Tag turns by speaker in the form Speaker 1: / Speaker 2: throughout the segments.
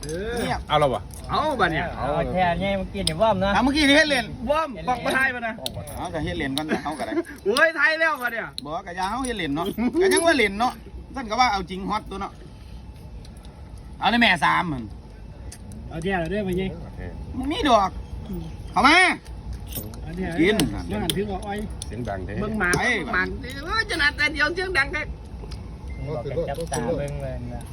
Speaker 1: เนี่ย
Speaker 2: เอาเราบ่
Speaker 3: เอาบัดเนี่ย
Speaker 4: เอาแค่นี้เมื่อกี้นี่ว่อมนะ
Speaker 1: เมื่อกี้นี่เฮ็ดเล่น
Speaker 3: ว่อมบอกมาไทยมานะ
Speaker 1: เอาก็เฮ็ดเล่นก่อนเอาก็ได้
Speaker 3: โอ้ยไทยแล้วบัดเนี่ย
Speaker 1: บอกก็อย่าเฮาเฮ็ดเล่นเนาะก็ยังว่าเล่นเนาะท่านก็ว่าเอาจริงฮอตตัวเนาะเอาในแม่3มัน
Speaker 3: เอาเดี๋ยวได้มายิง
Speaker 1: มันมีดอกเข้ามา กิน
Speaker 3: มันหันถึงว่าอ้อย
Speaker 2: เสียงดังเด้
Speaker 3: เบิ่งหมากหมากจะนัดแต่เดียวเสียงดังแค่
Speaker 4: บอกกันจับตาเบิ่งเลยนะ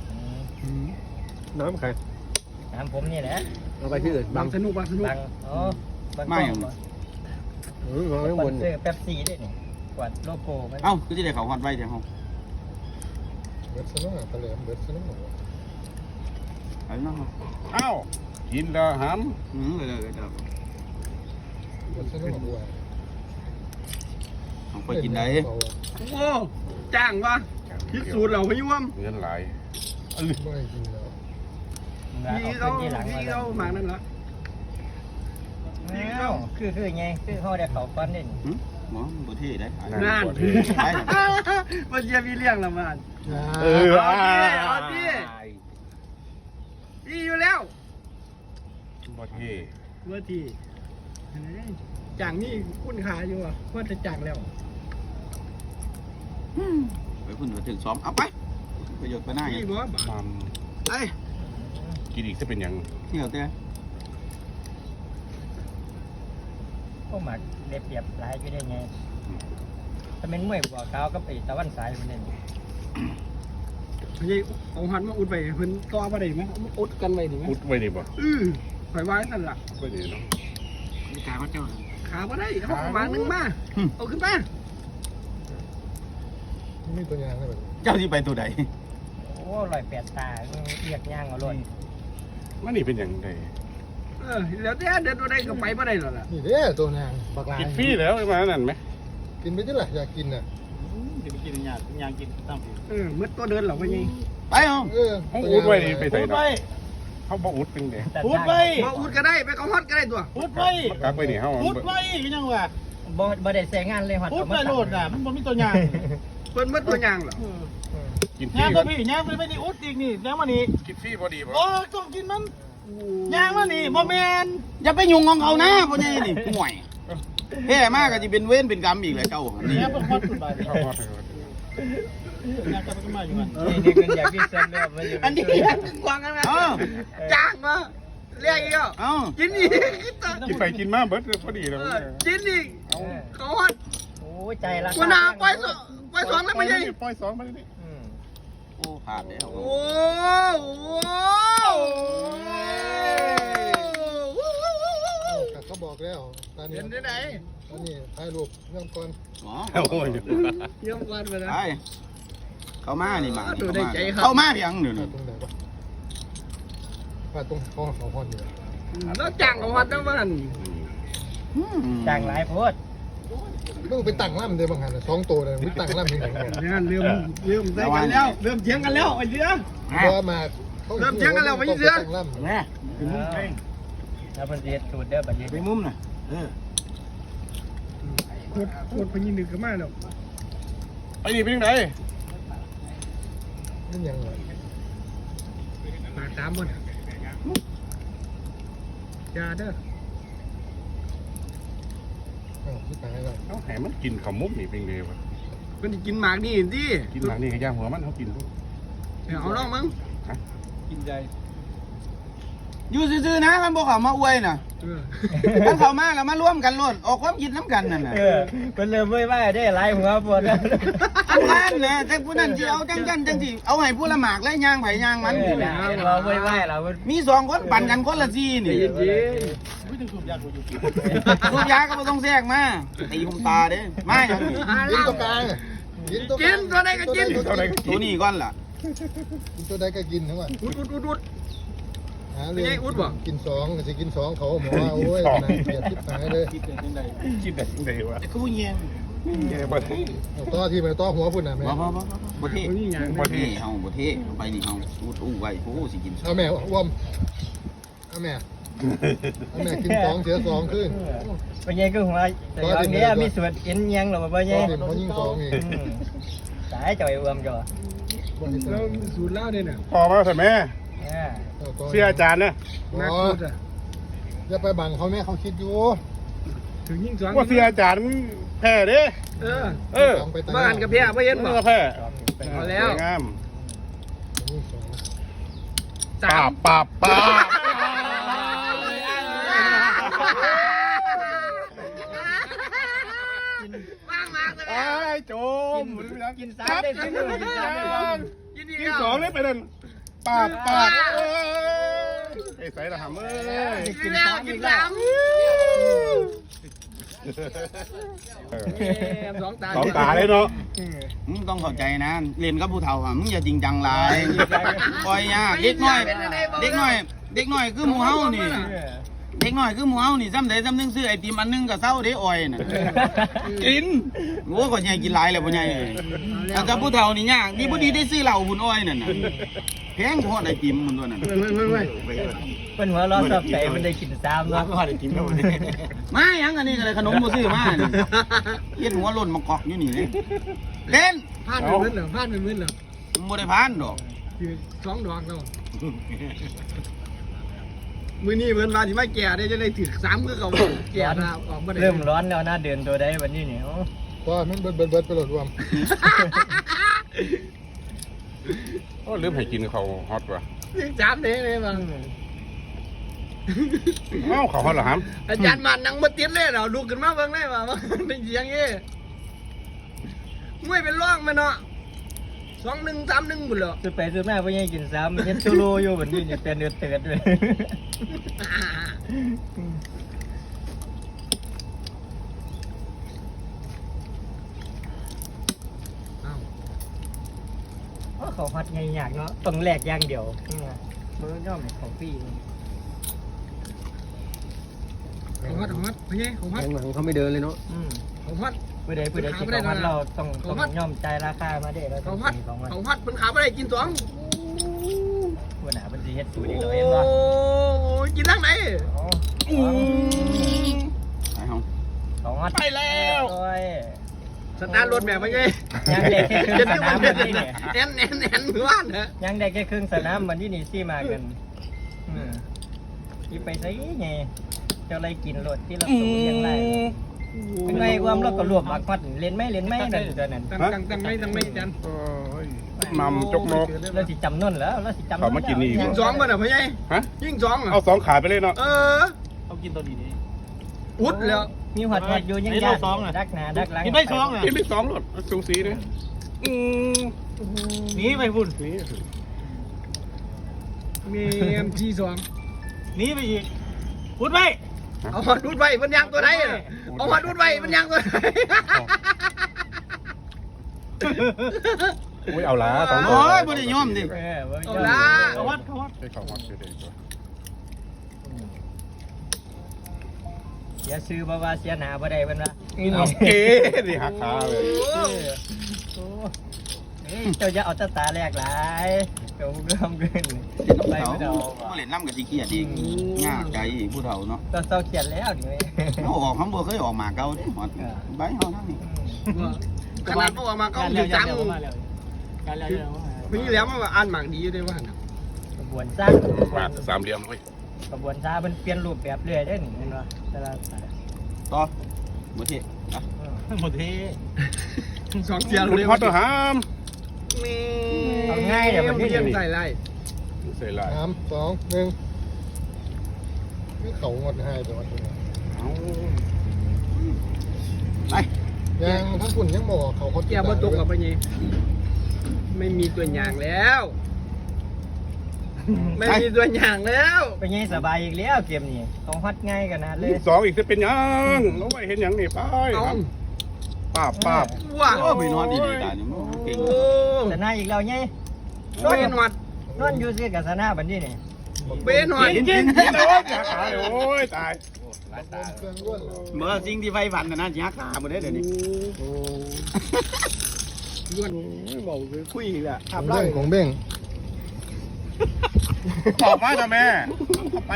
Speaker 2: น้ำใคร
Speaker 4: ถามผมนี่แหละ
Speaker 2: เอาไปที่อื่น
Speaker 3: บางสนุกบางสนุก
Speaker 4: บังอ๋อบาง
Speaker 1: ไม่อย่าง
Speaker 4: บ่
Speaker 2: วางไว้
Speaker 4: ส
Speaker 2: บ
Speaker 4: ปอน
Speaker 2: น
Speaker 4: เซอร์เป๊ปซี่ด้วยนี่กวาดโลโก้มัน
Speaker 1: เอ้าคือสิได้เข้าฮอตไว้จังเฮา
Speaker 5: เบิดสนุกตะเหลี่ยมเบิดสนุก
Speaker 1: เอาเนาะ
Speaker 2: เอ้ากินแล้วห
Speaker 1: เลย
Speaker 5: เบิดสนุกบัว
Speaker 1: เอาไปกินได้
Speaker 3: โอ้จ้างวะพิสูจน์เราไม่ยุ่ม
Speaker 2: ำเงินหลาย
Speaker 5: ไม่กินแล้ว
Speaker 3: พี่เขาพี่เขาหมากนั่นละ
Speaker 4: คือไงคือเขาได้เขาฟันนี่
Speaker 1: หมอบ่เท่ได้
Speaker 3: งานมันจะมีเรื่องละมัน เอาดิพี่อยู่แล้ว
Speaker 2: บ่เท่
Speaker 3: เมื่อทีจ้างนี่คุณขาอยู่อ่ะเพื่อจะจ้างแล้ว
Speaker 1: ไปพุ่นไปถึงซ้อมเอาไปประโยชน์ไปหน้าไง
Speaker 3: พี่บอก
Speaker 2: มัม
Speaker 1: เอ้ย
Speaker 2: กินอีกจะเป็นยัง
Speaker 1: เที่ยวเต้
Speaker 4: พวกหมักเรียบเรียบหลายอยู่ได้ไงถ้าเป็นมวยบัวขาวก็ไปตะวันสายมันนี่
Speaker 3: พี่เอาหันมาอุดไปเพิ่นต่อมาได้ไหมอุดกันไว้ดีไหม
Speaker 2: อุดไว้นี่บ่
Speaker 3: ข่อยว่านั่นล่ะ
Speaker 2: ไว้นี่เนาะ
Speaker 1: มีการเขาเจ้า
Speaker 3: ขาบ่ได้เอาหมากนึงมาเอาขึ้นมา
Speaker 5: มีตัวยางได้แบบ
Speaker 1: เจ้าที่ไปตัวใด
Speaker 4: โอ้108ตาเรียกย่างเอาเลย
Speaker 2: มันนี่เป็นยังไง
Speaker 3: แล้วแต่เดินตัวใดก็ไปบ่ได้หรอกล่ะ
Speaker 5: นี่เด้อตัวนางบักลาย
Speaker 2: กินฟรีแล้วมานั่นไหม
Speaker 5: กินไปที่ไหนอยากกินน่ะ
Speaker 3: มืดตัวเดินหรอวะยัง
Speaker 1: ไปเอา
Speaker 2: เขาอุดไว้นี่ไปใส่เนาะเขาบ่อุดเป็นเด้
Speaker 4: พูดไป
Speaker 3: มาอุดก็ได้ไปเขาฮอดก็ได้ตัว
Speaker 6: พุดไป
Speaker 2: กักไว้นี่เฮา
Speaker 6: พุดไปก็ยังว่า
Speaker 4: บ่ได้ใส่งานเลยฮอด
Speaker 6: พุดไปโหลดอ่ะมันบ่มีตัวยาง
Speaker 3: เพิ่นมืดตัวยางหรอ
Speaker 2: กินฟรี
Speaker 6: ยางก็พี่ยางไปนี่อุดอีกนี่ยางมานี่
Speaker 2: กินฟรีพอดีบ่
Speaker 6: โอ้ต้องกินมันยางมานี่บ่แม่น
Speaker 1: อย่าไปยุ่งของเขานะพ่อใหญ่นี่ห่วยแพ้มากก็จะเป็นเว้นเป็นกรรมอีกแหละเจ้านี่
Speaker 6: ยางเป็นฮอดสุดไป
Speaker 2: เข้าฮอด
Speaker 6: ยางก็ไปมาอยู่กัน
Speaker 4: นี่คืออยากกินเส้นแล้วมันอยู่
Speaker 3: อันนี้ยังกวางกันนะจ้างมาเรียกอีกอ่ะ
Speaker 1: เอ้า
Speaker 3: กินอีก
Speaker 2: กินไปกินมาเบิดพอดีแล้ว
Speaker 3: กินอีกเขาฮอด
Speaker 4: โอ้ใจละ
Speaker 3: กูนาไปสองแล้วไม่ใช่
Speaker 2: ปล่อย2ไปนี่
Speaker 1: โอ้ผ่านแล้ว
Speaker 3: โอ้โห
Speaker 5: เขาบอกแล้วตอนนี้
Speaker 3: เห็นที่ไหน
Speaker 5: ตอนนี้ถ่ายรูปเรื่องก่อน
Speaker 1: อ๋อ
Speaker 2: โอ้ย
Speaker 3: เยี่ยมวันไปแล้ว
Speaker 1: ไปเข้ามานี่มา
Speaker 3: ดูได้ใจครับ
Speaker 1: เข้ามาเพียงเดี๋ยว
Speaker 5: ถ่า
Speaker 1: นี้
Speaker 5: ยตรงไหนวะถ่ายตรงห้องของห้องนี่
Speaker 3: แล้วจ้างเขาฮอดทั้งวัน
Speaker 4: จางหลายโพด
Speaker 5: ต้องไปตั้งล่ำเลยบางหัน2ตัวเลยไปตั้งล่ำยังไง
Speaker 3: งานเริ่มใส่กันแล้วเริ่มเถียงกันแล้วไอ้เสือ
Speaker 5: เพราะมา
Speaker 3: เริ่มเถียงกันแล้วไม่ใช่เสือ
Speaker 5: ตั้งล่ำ
Speaker 1: แม่
Speaker 4: แล้วมันเรียนสูตรเด้อบัดนี้
Speaker 1: ไปมุมน่ะ
Speaker 3: โคตรพยินดึกกันมากแล้ว
Speaker 2: ไปนี่เป็นยังไง
Speaker 5: นี่ยังไง
Speaker 3: มาตามบนอย่าเด้อ
Speaker 5: ที่ตายแล้ว
Speaker 2: เขาแหมันกินข้าวมุกนี่เป็นไงวะ
Speaker 3: เพิ่นกินหมากนี่สิ
Speaker 2: กินหลังนี่ก็ย่างหัวมันเขากินลูก
Speaker 3: เอาน้องมึง
Speaker 6: กินใจ
Speaker 1: อยู่ซื่อๆนะมันบอกเขามาอวยน่ะถ้าเขามาแล้วมาร่วมกันล้นออกความคิดน้ำกันนั่นน่ะ
Speaker 4: มันเริ่มไม่ไหวได้หลายหัวปวดแล้ว
Speaker 1: อันนั้นนะแต่ผู้นั้นที่เอาจังที่เอาให้ผู้ละหมากและย่างไผ่ย่างมัน
Speaker 4: เราไม่ไหวเรา
Speaker 1: มี2คนปั่นกันคนละซีนี่
Speaker 3: เย็น
Speaker 6: ไม่ต้องสูบยากูอยู่กิน
Speaker 1: ลูกยาก็ไม่ต้องแทรกมาตีผมตาเด้มาอย่างนี้
Speaker 5: กินตัวกลางกินตัว
Speaker 3: กินตัวใดก็กิน
Speaker 1: ตัวนี้ก่อนล่ะ
Speaker 5: กินตัวใดก็กินทั้งวัน
Speaker 3: อุด
Speaker 5: หาเรื่องกิน2ก็จะกิน2เขาหมอว่าโอ้ยนะเกลียดทิพย์หายเลย
Speaker 2: กินแต่ยังไงวะ
Speaker 1: กูเงี้ย
Speaker 2: แกบ่ได้
Speaker 5: ต่อที่มันต่อหัวพุ่นน่ะแม่
Speaker 1: บ่เท่
Speaker 3: นี่อย่าง
Speaker 1: บ่เท่เฮาบ่เท่ไปนี่เฮาอู้ไว้โอ้สิกิน
Speaker 5: เอาแม่อ้วมเอาแม่กิน2เสีย2ขึ้น
Speaker 4: เป็นไงก็หัวแต่อย่างนี้มีส่วนกินยังหรอเป็นไง
Speaker 5: เขายิง2อีก
Speaker 4: สายจ่อยรวมจ่อ
Speaker 3: แล้วสูตรแล้วเนี่ย
Speaker 2: พอมาใส่แม่
Speaker 1: พ
Speaker 2: เสียอาจารย์นะ
Speaker 3: นักพูดอ่ะ
Speaker 5: อย่าไปบังเขาแม่เขาคิดอยู่
Speaker 3: ถึงยิ่งสอง
Speaker 2: ว่าเสียอาจารย์แพ้เด้
Speaker 3: เออบ้านกับเพียไม่เห็นบ่
Speaker 2: แพ้
Speaker 3: เอาแล้ว
Speaker 2: งาม
Speaker 3: สาม
Speaker 2: ปาบไอ้โจม
Speaker 4: กินสามได้สิกินสามได้
Speaker 2: กินสองเลยไปนั่นปาบไอ้ใส่ละหำเอ้ย
Speaker 4: กินสามกินสาม
Speaker 3: สองตา
Speaker 2: สองตาเลยเนาะ
Speaker 1: มึงต้องเข้าใจนะเรียนกับผู้เฒ่าอ่ะมึงอย่าจริงจังหลายปล่อยยากเด็กน้อยคือหมู่เฮานี่เด็กน้อยคือหมู่เฮานี่ซ้ำใดซ้ำหนึงซื้อไอติมอันนึงก็เซาเด้อ้อยน่ะกินโอ้ก็ใหญ่กินหลายแล้วบ่ใหญ่เอ้ยแต่กับผู้เฒ่านี่ยากดีบ่ดีได้ซื้อเหล้าหุ่นอ้อยนั่นน่ะแพงโคตรไอติมมันตัวนั้น
Speaker 4: เป็นหัวร้อนสับใจมันได้กินสามเนาะ
Speaker 1: มาหยังอันนี้ก็เลยขนมบ่ซื้อมานี่เฮ็ดหัวหล่นมากอกอยู่นี่เลยเล่น
Speaker 3: พลาดเป็นมื้อเหรอพลาดเป็นมื้อเหรอ
Speaker 1: มึงบ่ได้ผ่านดอก
Speaker 3: คือสองดอกแล้วมื้อนี้เหมือนว่าสิมาแก่ได้จะได้ถึง3คือเขาแก่นะออกบ่ได้
Speaker 4: เริ่มร้อนแล้วนะเดินตัวได้วันนี้เนี่ย
Speaker 5: ก็มันเบิดไปหลดรวม
Speaker 2: โอ้ลืมให้กินเขาฮอตว่ะ
Speaker 3: ถึง3เด้เลยว่า
Speaker 2: เอ้าเขาฮอตเหรอฮัม
Speaker 3: อาจารย์มันนั่งบ่ติดเลยเราลุกขึ้นมาเบิ่งได้ว่าเป็นเสียงงี้มวยเป็นร่องมันเนาะ2-1 3-1บุ่นเหรอ
Speaker 4: ซื้อไปซื้อมาเพื่อให้กินซ้ำเฮ็ดชูโรอยู่วันนี้เนี่ยเป็นเดือดเตือดเลยเขาฮัดไงอยากเนาะต้องแลกอย่างเดียวมือย่อมของพี่
Speaker 3: ของฮัดเป็นไงของฮัด
Speaker 6: เขาไม่เดินเลยเนาะ
Speaker 3: ของฮัด
Speaker 4: เพื่อใดกินของฮัดเราต้องย่อมใจราคามาได้แล้ว
Speaker 3: ของฮัดของฮัดเป็นขาไม่ได้กิน2
Speaker 4: วันหนาเป็นสีเฮ็ดสูตรอีก
Speaker 3: โอ้
Speaker 4: เลยเห็นป่ะ
Speaker 3: ยกินทางไหน
Speaker 1: ไปเฮา
Speaker 4: ของฮัด
Speaker 3: ไปแล้วสตาร์ทรถแบบไง
Speaker 4: ยังเด็กแค่ครึ่งสนามวันนี้เนี่ย
Speaker 3: แน่นมือว่านเหรอ
Speaker 4: ยังได้แค่ครึ่งสนามวันที่นี่ซี่มากันที่ไปใส่ไงเจ้าอะไรกินรถที่เราสูยังไรเป็นไงความเราก็รวบบักพัดเล่นไม่นั่นตัวนั้น
Speaker 3: ตั้งไม่จัน
Speaker 2: นำจกนก
Speaker 4: เราสิจำนวนแล้วเราสิจำ
Speaker 2: เขามากินนี่
Speaker 3: ยิง2ป่ะน่ะพ่อใหญ่
Speaker 2: ฮะ
Speaker 3: ยิง2อ่ะ
Speaker 2: เอาสองขาไปเลยเนาะ
Speaker 1: เขากินตัวดีนี่
Speaker 3: อุดแล้ว
Speaker 4: มีหัดอยู่ยังยากดักหน้าดักหลัง
Speaker 2: กินได้สองหลดสูสีเลย
Speaker 6: หนีไปพุ่น
Speaker 2: นี่
Speaker 3: มีที2
Speaker 6: หนีไปอีกพุ่นไป
Speaker 3: เอาหัดอุดไว้มันยางตัวไหนเอาหัดอุดไว้มันยางตัวไหน
Speaker 2: โอ้ยเอาละสองตัว
Speaker 1: โอ้ยบ่ได้ยอมดิ
Speaker 3: เอาละ
Speaker 6: เขาวัด
Speaker 2: ให้เขาฮอตไปเลย
Speaker 4: เสียซื้อบ่ว่าเสียหนาบ่ได้เพิ่นว่า
Speaker 2: เอาเก๋ดิหักขาเลย
Speaker 4: เจ้าจะเอาตาแรกหลายเจ้าเริ่มขึ้น
Speaker 1: เล่น
Speaker 4: ไป
Speaker 1: น้ำ
Speaker 4: ไม่
Speaker 1: เขา
Speaker 4: เอา
Speaker 1: บ่เล่นน้ำกับสิเครียดเองง่าใจผู้เฒ่าเนาะ
Speaker 4: ตอนเศร้าเขียนแล้วดิ
Speaker 1: เขาออกเขาบ่เคยออกมาเก่าดิหมดใบเฮาทั้งนี้
Speaker 3: ขนาดพวกมาก็ถึง3
Speaker 6: การเลี้ยง
Speaker 3: พี่แล้วมันอ่านหมากดีอยู่ด้วยว่า
Speaker 4: กระบวนสร้าง
Speaker 2: มาสามเหลี่ยมเว้ย
Speaker 4: กระบวนท่ามันเปลี่ยนรูปแบบเรื่อยได้หนิเห็นป่ะแต่ละ
Speaker 1: ต่อบ่เท่
Speaker 6: หมดที
Speaker 3: 2เสีย
Speaker 2: คุณฮอตตัวหาม
Speaker 4: เอาง่ายเดี๋ยวมันที่
Speaker 3: เยี่ยมใส่ไร
Speaker 2: ใส่ลาย
Speaker 5: 3 2 1นี่เขางดให้จังหวัดนี้
Speaker 1: ไป
Speaker 5: ยังทั้งฝุ่นยังบอกเขาเขา
Speaker 3: แกบ่ตกกับไปนี่ไม่มีตัวอย่างแล้ว ไม่มีตัวอย่างแล้ว
Speaker 4: เป็นไงสบายอีกแล้วเกมนี้ต้องฮัดง่ายกันนะเลย
Speaker 2: สองอีกจะเป็นยังแล้วไม่เห็นยังนี่ไป
Speaker 3: เอา
Speaker 2: ป้าบ
Speaker 3: ว้า
Speaker 1: โอ้ไปนอนดีๆตานี่มันเก่ง
Speaker 3: โอ้
Speaker 4: สนาอีกแล้วไง
Speaker 3: เป็นหวัด
Speaker 4: นอนอยู่ซื้อกับสนาบันนี้นี่
Speaker 3: เป็นหวัด
Speaker 2: จริงๆโอ้ยขาเลยโอ้ยตาย
Speaker 5: เครื่องร่วน
Speaker 1: เมื่อสิ่งที่ไฟฝันน่ะนะสิหักขาบ่ได้เดี๋ยวนี้
Speaker 3: ล้วนบอกคือคุยแหละ
Speaker 5: เรื่องของเบ้ง
Speaker 2: ออกมาจ้ะแม่เข้าไป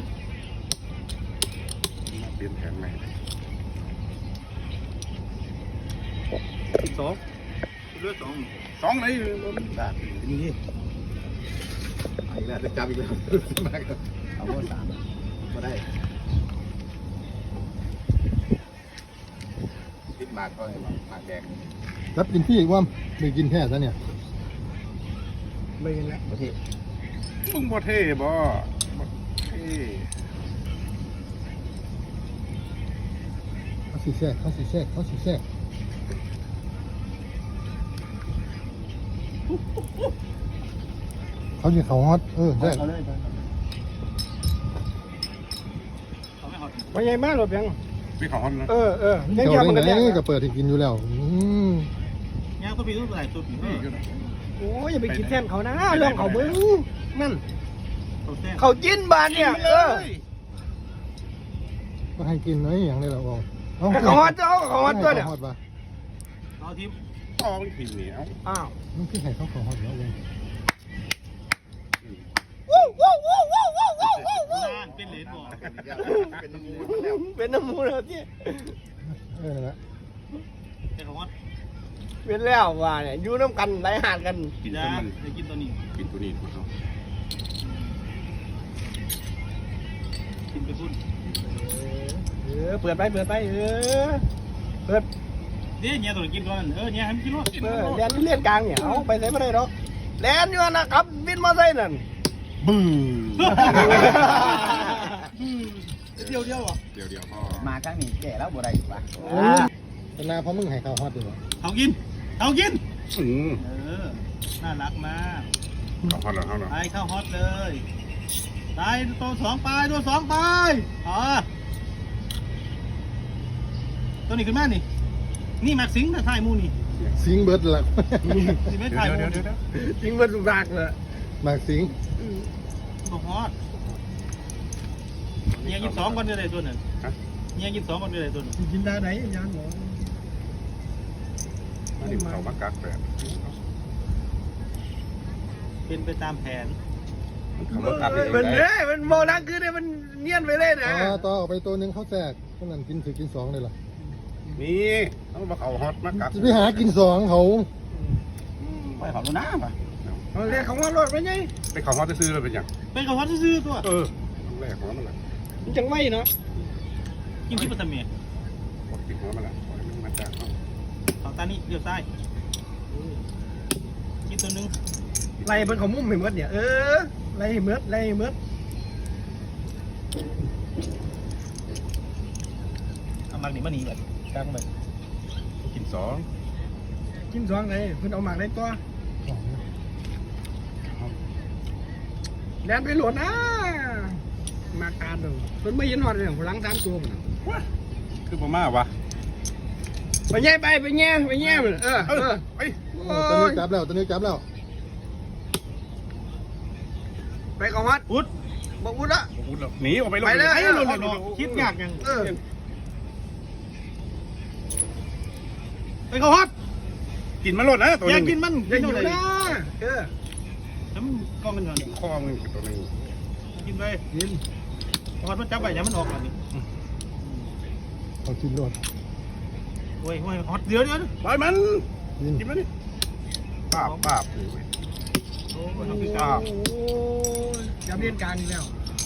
Speaker 2: เปลี่ยนแผนใหม่
Speaker 1: 2เลือด2
Speaker 2: สองไหน
Speaker 1: นี่
Speaker 5: อีกแล้วจะจับอีกแล้วมาครับเอาว่า3มาได้
Speaker 2: คิดมากก็ให้มากแดง
Speaker 5: รับกินพี่อีกว่าไม่กินแค่ซะเนี่ย
Speaker 3: ไม่เห็นแล้ว
Speaker 1: ประเทศ
Speaker 2: มึงบ่เท่บ่เท่
Speaker 5: เขาสีแทรกเขาสีแทรกเขาสีแทรกเขาอยู่เขาฮอตแทรก
Speaker 1: เอาเลย
Speaker 3: ไปใหญ่มากหรอเพียง
Speaker 2: พี่ของฮอนนะ
Speaker 3: ยัง
Speaker 5: เจ้า
Speaker 3: มัน
Speaker 5: เล่
Speaker 3: กัน
Speaker 5: น
Speaker 3: แน่
Speaker 5: ไงก็เปิดให้กินอยู่แล้ว
Speaker 1: ย่างตัวปีตัวไหนตัวปี
Speaker 2: นี่อยู่นะ
Speaker 3: โอ้ยอย่าไปคิดแทนเขานะเรื่องเขาเบิ้งนั่น
Speaker 1: ตัวแท้
Speaker 3: เขาจิ้นบานเนี่ย
Speaker 5: ก็ให้กินน้อยอย่างนี้แหละบอก
Speaker 3: เขาฮอตตัวเนี่ย
Speaker 5: ฮอตปะ
Speaker 1: เอาทีม
Speaker 2: พ่อมันผิดเหนียว
Speaker 3: อ้าว
Speaker 5: มันคือให้เขาฮอตแล้วเลย
Speaker 1: เป็นเหรียญบ่
Speaker 3: เป็นน้ำมูแล้วที่
Speaker 5: นั่นแหละ
Speaker 1: เป็นของวัด
Speaker 3: เป็นแล้วว่าเนี่ยอยู่น้ำกันไหลหาดกัน
Speaker 2: กิน
Speaker 1: จ้า
Speaker 2: มัน
Speaker 1: ได้กินตัวนี้
Speaker 2: กินตัวนี้มาเอา
Speaker 1: กินไปพุ่น
Speaker 3: เปิดไปเปิด
Speaker 1: เนี่ยเนี่ยตัวกินก่อนเนี่ยให้มันกินรถ
Speaker 3: แลนเลียนกลางเนี่ยเอาไปไหนไม่ได้หรอกแลนอยู่นะครับวินมอเตอร์ไซค์นั่น
Speaker 2: บึ้ง
Speaker 1: เดียวอ่ะ
Speaker 2: เดี๋ยวพ่อ
Speaker 1: มาครั้งนี้แก่แล้วบ่ได้ปะ
Speaker 5: เป็นนาเพราะมึงให้เขาฮอตอยู่
Speaker 1: เอากิน
Speaker 2: อืม
Speaker 1: น่ารักมาก
Speaker 2: ของฮอนแล้วเขาเนาะ
Speaker 1: ไปเข้าฮอตเลยตายตัว2ไปตัว2ไปตัวนี้ขึ้นมานี่แม็กซิงนะถ่ายมูนี่
Speaker 5: สิงเบิร์ดละ
Speaker 1: นี่ไม่ถ่ายมู
Speaker 2: เดี๋ยว
Speaker 3: จริงมันสุรากเลย
Speaker 5: มากสิง
Speaker 1: ตัวฮอตเนี่ย22ก่อนเลยตัวนั้นเนี่ย22ก่อนเลยตัวนั้น
Speaker 3: กินได้ไหนยังหมอ
Speaker 2: อันนี้เขามากักแบบ
Speaker 1: เป็นไปตามแผน
Speaker 2: เขามากัก
Speaker 3: มันมันโมนังคือเนี่ยมันเนียนไปเลยนะ
Speaker 5: ต่อออกไปตัวนึงเขาแทรกคนนั้นกินถือกิน2เลยล่ะ
Speaker 2: นี่เขามาเขาฮอตมากัก
Speaker 5: จะไปหากิน2เขา
Speaker 1: ไปขอรู้น้ำป่ะ
Speaker 3: เรียกของว่ารถไปไง
Speaker 2: ไปเขาฮอตซื้อเลยเป็นอย่าง
Speaker 1: เป็นกับฮอตซื้อตัว
Speaker 2: ต้องแรกของมันแหละ
Speaker 3: มันจังไม่เนาะ
Speaker 1: กินที่ปัตตานี
Speaker 2: กดติดหัวมันแหละมันมาจากเขา
Speaker 1: เอาตานี่เดี๋ยวซ้ายกินตัวนึง
Speaker 3: ไล่เป็นของมุ้มเหมือนเนี่ยไล่เมือด
Speaker 1: เอามักนี่มาหนีแบบกลางแบบ
Speaker 2: กิน2
Speaker 3: กิน2เลยเพิ่นเอาหมากได้ตัวแลนไปหลดนะมาการดูเพิ่นไม่ยินหอดเลยพลัง3ตัวมัน
Speaker 2: คือประมาณวะ
Speaker 3: ไปแย่มัน
Speaker 2: ไป
Speaker 5: ตัวนี้จับแล้ว
Speaker 3: ไปของฮัด
Speaker 1: อุด
Speaker 3: บอกอุดละ
Speaker 2: หนีออกไป
Speaker 3: ไปเลย
Speaker 1: คิดยากยังไปเขาฮอต
Speaker 2: กินมันหลดนะตัว
Speaker 1: อยาก
Speaker 2: นึง
Speaker 1: กินมัน
Speaker 3: อย่าอยู่
Speaker 1: เลย
Speaker 3: นะ
Speaker 1: ทำกล้องกันก่อน
Speaker 2: คอมึงตัวนึง
Speaker 1: กินไปฮอตมันจับไปอย่ามันออกก่อนนี่
Speaker 5: เขากินรถ
Speaker 1: โอ้ยฮอตเดี๋ยว
Speaker 2: ปล่อยมัน
Speaker 5: กิน
Speaker 2: กินมันดิป้าบ
Speaker 1: โอ้ยคือ
Speaker 2: ป้าบ
Speaker 3: จับเลียนกลางอีกแล้ว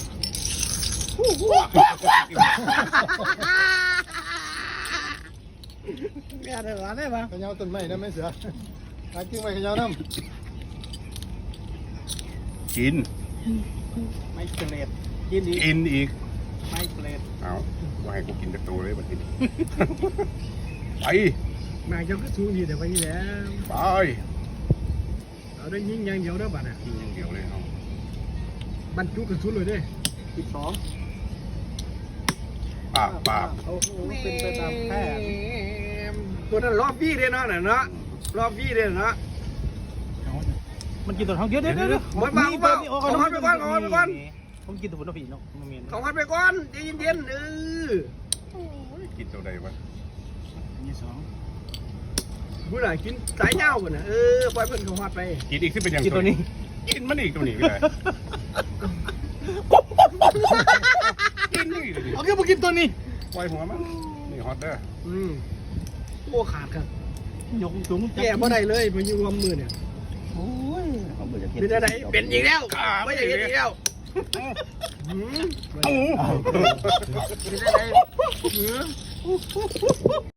Speaker 3: แม่ได้หวานได้ปะ
Speaker 5: ขยาวต้นไม้นะไม่เสือหากิ้งไม้ขยาวน้
Speaker 2: กิน
Speaker 1: ไม่เกล็ดกินดี
Speaker 2: กินอีก
Speaker 1: ไม่เกล็ด
Speaker 2: เอาว่าให้กูกินแต่ตัวเลยบัดนี้ไป
Speaker 3: แม่เจ้าก็สูงดีแต่ไปนี่แล้ว
Speaker 2: ไป
Speaker 3: เอาได้ยิงอย่างเดียวเด้อบัดน่ะ
Speaker 2: กินอย่างเดียวเลยเอา
Speaker 3: บรรจุกระสุนเลยเด้
Speaker 1: 12
Speaker 2: ป้าบ
Speaker 1: โอ้โหเป็นไปตามแผน
Speaker 3: ตัวนั้นรอบพี่เด้เนาะน่ะเนาะรอบพี่เด้เนาะ
Speaker 1: มันกินตัวท้องเดี๋ยวผมกินตัวผลผีเนาะมันมี
Speaker 3: ของฮัดไปก่อนใจเย็นๆ
Speaker 2: กินตัวใดวะ
Speaker 1: นี่2
Speaker 3: บุญน่ะกินสายเงาบ่น่ะปล่อยเพิ่นของฮัดไป
Speaker 2: กินอีกที่เป็นอย่าง
Speaker 1: กินตัวนี้
Speaker 2: กินมันอีกตัวนี้ก็ได้กินนี่ดิ
Speaker 1: เอาแค่มากินตัวนี้
Speaker 2: ปล่อยหัวมันนี่ฮอตเด้อ
Speaker 3: โอ้ขาดครับ
Speaker 1: ยกสูง
Speaker 3: แก่บ่ได้เลยมาอยู่ความมือเนี่ยเป็นอะไรเป็นอีกแล้วไม่ใช่อีกแล้วเป็นอะไร